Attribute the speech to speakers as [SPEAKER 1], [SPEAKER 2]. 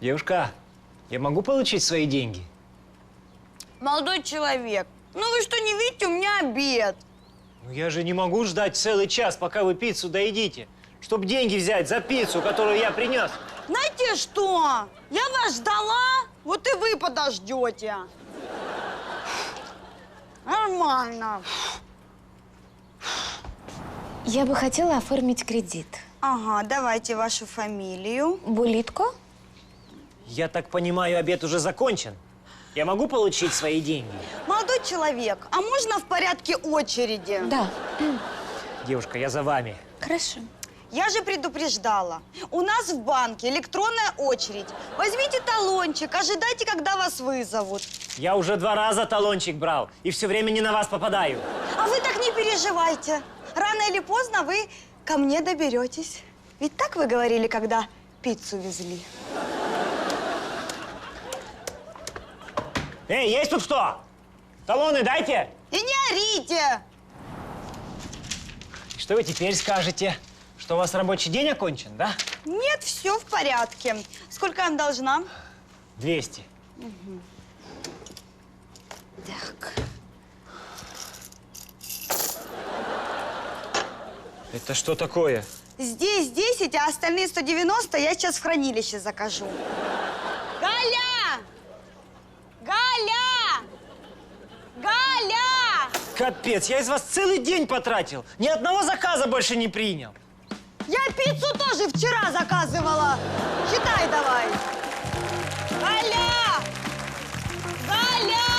[SPEAKER 1] Девушка, я могу получить свои деньги?
[SPEAKER 2] Молодой человек, ну вы что, не видите, у меня обед.
[SPEAKER 1] Ну я же не могу ждать целый час, пока вы пиццу доедите, чтобы деньги взять за пиццу, которую я принес.
[SPEAKER 2] Знаете что? Я вас ждала, вот и вы подождете. Нормально.
[SPEAKER 3] Я бы хотела оформить кредит.
[SPEAKER 2] Ага, давайте вашу фамилию.
[SPEAKER 3] Булитко?
[SPEAKER 1] Я так понимаю, обед уже закончен? Я могу получить свои деньги?
[SPEAKER 2] Молодой человек, а можно в порядке очереди?
[SPEAKER 3] Да.
[SPEAKER 1] Девушка, я за вами.
[SPEAKER 3] Хорошо.
[SPEAKER 2] Я же предупреждала. У нас в банке электронная очередь. Возьмите талончик, ожидайте, когда вас вызовут.
[SPEAKER 1] Я уже 2 раза талончик брал и все время не на вас попадаю.
[SPEAKER 2] А вы так не переживайте. Рано или поздно вы ко мне доберетесь. Ведь так вы говорили, когда пиццу везли?
[SPEAKER 1] Эй, есть тут кто? Талоны дайте!
[SPEAKER 2] И не орите!
[SPEAKER 1] Что вы теперь скажете? Что у вас рабочий день окончен, да?
[SPEAKER 2] Нет, все в порядке. Сколько я вам должна?
[SPEAKER 1] 200.
[SPEAKER 2] Так.
[SPEAKER 1] Это что такое?
[SPEAKER 2] Здесь 10, а остальные 190 я сейчас в хранилище закажу. Галя! Галя! Галя!
[SPEAKER 1] Капец, я из вас целый день потратил. Ни одного заказа больше не принял.
[SPEAKER 2] Я пиццу тоже вчера заказывала. Считай давай. Галя! Галя!